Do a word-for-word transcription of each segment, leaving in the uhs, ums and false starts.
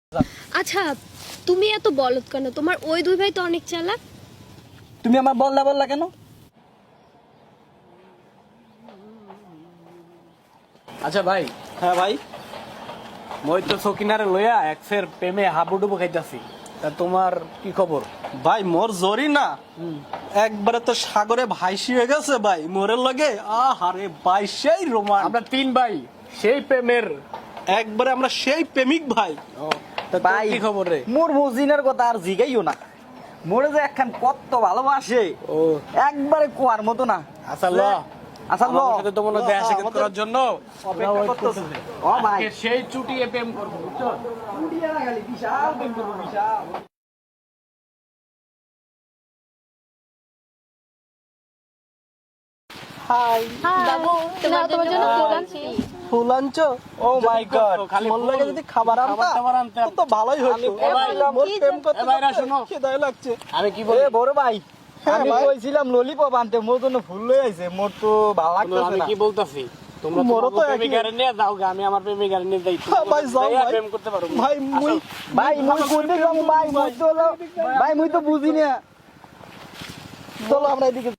আচ্ছা তুমি এত বলদ কেন? তোমার ওই দুই ভাই তো অনেক চালাক। তুমি আমার বললা বললা কেন? আচ্ছা ভাই। হ্যাঁ ভাই, মই তো সকিনারে লইয়া এক ফের প্রেমে হাবুডুবু খাইতাছি, তা তোমার কি খবর? ভাই মোর জরি না একবারে তো সাগরে ভাইসি হয়ে গেছে ভাই মোরের লগে। আহারে ভাই সেই রোমান, আমরা তিন ভাই সেই প্রেমের একবারে আমরা সেই প্রেমিক ভাই। তা তোর কি খবর রে? মোর মজিনার কথা আর জিগাইও না, মোরে যে একখান কত ভালোবাসে ও একবারে কোয়ার মতো না। আচ্ছা ল আচ্ছা ল, আমার সাথে তো মনে হয় দেখা সাক্ষাৎ করার জন্য অপেক্ষা করতেছে। ও ভাই আজকে সেই চুটিয়ে প্রেম করবো, বুঝছো? কুড়িয়া না খালি বিশাল প্রেম করবো, বিশাল। হাই বাবু তোমার জন্য ফুল আনছি। ফুল আনছো? ও মাই গড, খালি মোর ফুল। লাগে যদি খাবার খাবার আনতা টাবার আনতাম। তো ভালোই হতো। এ ভাই, মোর প্রেম করতে এ ভাইরা করতে শোনো। খিদায় লাগছে। আমি কি এ বলি? বড় ভাই, হ্যাঁ আমি ভাই। কইছিলাম ললিপপ আনতে, মোর জন্য ফুল লই আইছে। মোর তো ভালো লাগতেছে আমি না। কি বলতাছি, তোমরা মোরও তো তো একই। প্রেমিকারে নিয়ে যাও গে, আমি আমার প্রেমিকারে নিয়ে যাই। হ্যাঁ ভাই, যাও যাইয়া ভাই। প্রেম করতে পারো। ভাই মুই ভাই মুই কোনদিন যাবো ভাই? মুই তো হলো ভাই, মুই তো বুঝি না। চলো আমরা এদিকে।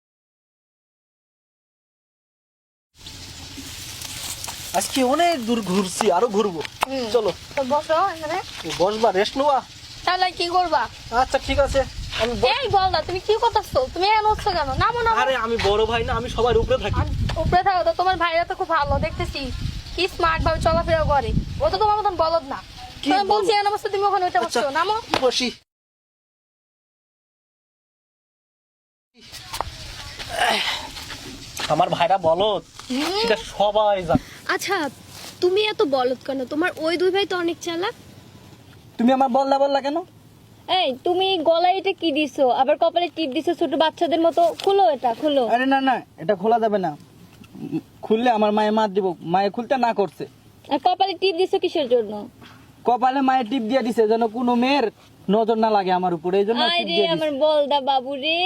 আজকে অনেক দূর ঘুরছি, আরো ঘুরবো। চলো তো বসো এখানে। বসবা, রেস্ট নেওয়া। তাহলে কি করবা? আচ্ছা ঠিক আছে, আমি ব- এই বল না, তুমি কি করতেছো? তুমি এখন উঠছো কেন? নামো নামো। আরে আমি বড় ভাই না, আমি সবার উপরে থাকি। আর উপরে থাকো তো, তোমার ভাইরা তো খুব ভালো দেখতেছি, কি স্মার্ট ভাবে চলাফেরা করে। ও তো তোমার মতন বলদ না। কি তুমি বলদ? বলছি এমন অবস্থা, তুমি ওখানে উঠে আচ্ছা। বসছো। নামো। বসি। আমার ভাইরা বলো, সেটা সবাই জানে। আচ্ছা তুমি এত বলদ কেন? তোমার ওই দুই ভাই তো অনেক চালাক। তুমি আমার বললা বললা কেন? এই তুমি গলায় এটা কি দিছো? আবার কপালে টিপ দিছো ছোট বাচ্চাদের মতো। খুলো এটা, খুলো। আরে না না, এটা খোলা যাবে না। উম, খুললে আমার মায়ে মার দিব। মায়ে খুলতে না করছে। আর কপালে টিপ দিছো কিসের জন্য? কপালে মায়ের টিপ দিয়ে দিছে যেন কোনো মেয়ের নজর না লাগে আমার উপরে, এই জন্য আয় টিপ রে দিয়ে আমার দিছে। বলদা বাবু রে।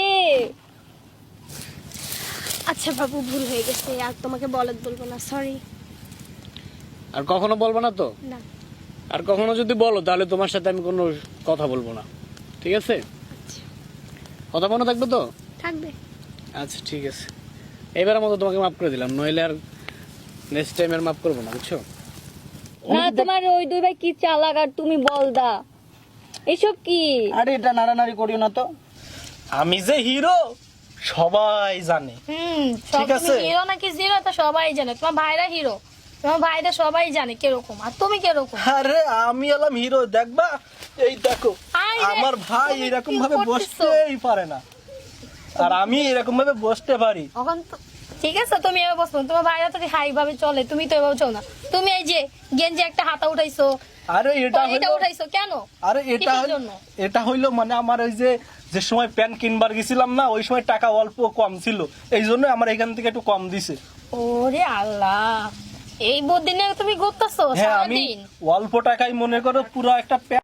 আচ্ছা বাবু, ভুল হয়ে গেছে, আর তোমাকে বলদ বলবো না, সরি। আর কখনো বলবো না তো? না। আর কখনো যদি বলো তাহলে তোমার সাথে আমি কোনো কথা বলবো না, ঠিক আছে? কথা মনে থাকবে তো? থাকবে। আচ্ছা ঠিক আছে, এবারের মতো তোমাকে মাফ করে দিলাম, নইলে আর নেক্সট টাইম আর মাফ করবো না, বুঝছো? না তোমার ওই দুই ভাই কি চালাক আর তুমি বলদা, এসব কি? আরে এটা নাড়ানাড়ি করিও না তো। আমি যে হিরো সবাই জানে। হুম, ঠিক সব আছে। তুমি হিরো নাকি জিরো তা সবাই জানে। তোমার ভাইরা হিরো, তোমার ভাইরা সবাই জানে কিরকম, আর তুমি কিরকম। আরে আমি এলাম হিরো, দেখবা? এই দেখো, আয় রে, আমার ভাই তুমি এরকম কি ভাবে করতেছো? বসতেই পারে না, আর আমি এরকম ভাবে বসতে পারি। এখন তো ঠিক আছে, তুমি এভাবে বসবো না। তোমার ভাইরা তো হাই ভাবে চলে, তুমি তো এভাবে চলো না। তুমি এই যে গেঞ্জি একটা হাতা উঠাইছো, আরে এটা এটা হইলো, উঠাইছো কেন? আরে এটা কিসের হইলো, জন্য? এটা হইলো মানে আমার ওই যে যে সময় প্যান্ট কিনবার গেছিলাম না, ওই সময় টাকা অল্প কম ছিল, এই জন্য আমার এখান থেকে একটু কম দিছে। ওরে আল্লাহ, এই বদিনে তুমি ঘুরতেছো হ্যাঁ আমি সারাদিন। অল্প টাকায় মনে করো পুরো একটা প্যান্ট